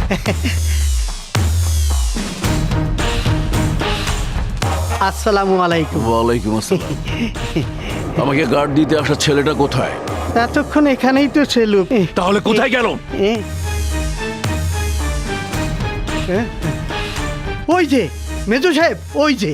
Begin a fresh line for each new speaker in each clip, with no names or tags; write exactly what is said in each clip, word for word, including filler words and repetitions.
আসসালামু আলাইকুম।
ওয়ালাইকুম আসসালাম। আমাকে গার্ড দিতে আসা ছেলেটা কোথায়?
এতক্ষণ এখানেই তো ছিল।
তাহলে কোথায় গেল?
এ, এ, ওই যে মেজো সাহেব, ওই যে।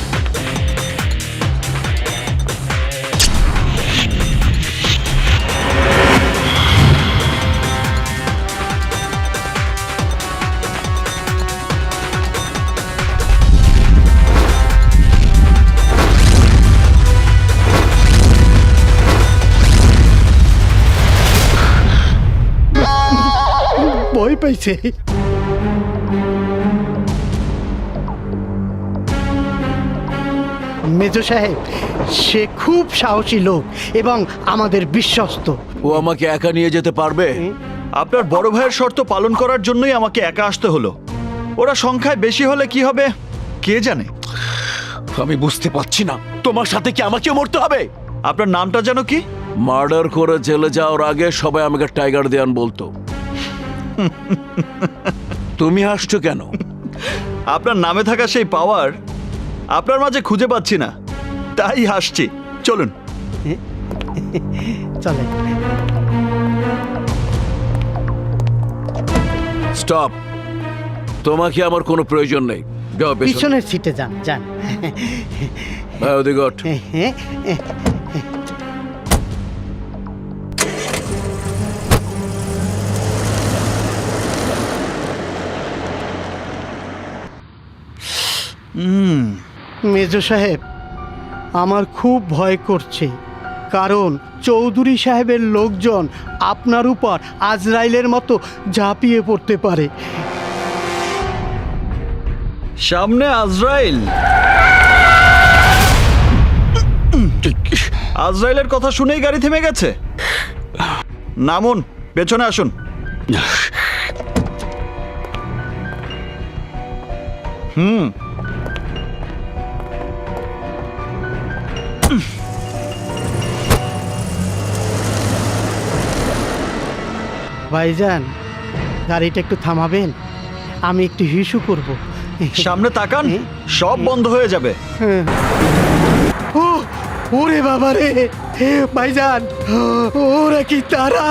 ভয় পাইছে। মেজো সাহেব, সে খুব সাহসী লোক এবং আমাদের বিশ্বস্ত।
ও আমাকে একা নিয়ে যেতে পারবে?
আপনার বড় ভাইয়ের শর্ত পালন করার জন্যই আমাকে একা আসতে হলো। ওরা সংখ্যায় বেশি হলে কি হবে কে জানে।
আমি বুঝতে পারছি না, তোমার সাথে কি আমাকেও মরতে হবে?
আপনার নামটা যেন কি?
মার্ডার করে জেলে যাওয়ার আগে সবাই আমাকে টাইগার দেয়ান বলতো। তুমি হাসছো কেন?
আপনার নামে থাকা সেই পাওয়ার আপনার মাঝে খুঁজে পাচ্ছি না, তাই হাসছি। চলুন।
চলে।
স্টপ। তোমাকে আমার কোনো প্রয়োজন নেই। যাও পেছনে।
পিছনের সিটে যান যান।
ভাই ওদিকে ওঠ।
মেজো সাহেব, আমার খুব ভয় করছে, কারণ চৌধুরী সাহেবের লোকজন আপনার উপর আজরাইলের মতো ঝাঁপিয়ে পড়তে পারে।
সামনে আজরাইল? আজরাইলের কথা শুনেই গাড়ি থেমে গেছে। নামুন, পেছনে আসুন। হুম
ভাইজান, গাড়িটা একটু থামাবেন? আমি একটু হিসু করব।
সামনে তাকান, সব বন্ধ হয়ে যাবে।
ও ওরে বাবা রে, ভাইজান, ওরা কি তারা?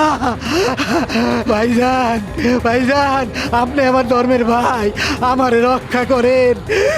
ভাইজান, ভাইজান, আপনি আমার ধর্মের ভাই, আমার রক্ষা করেন।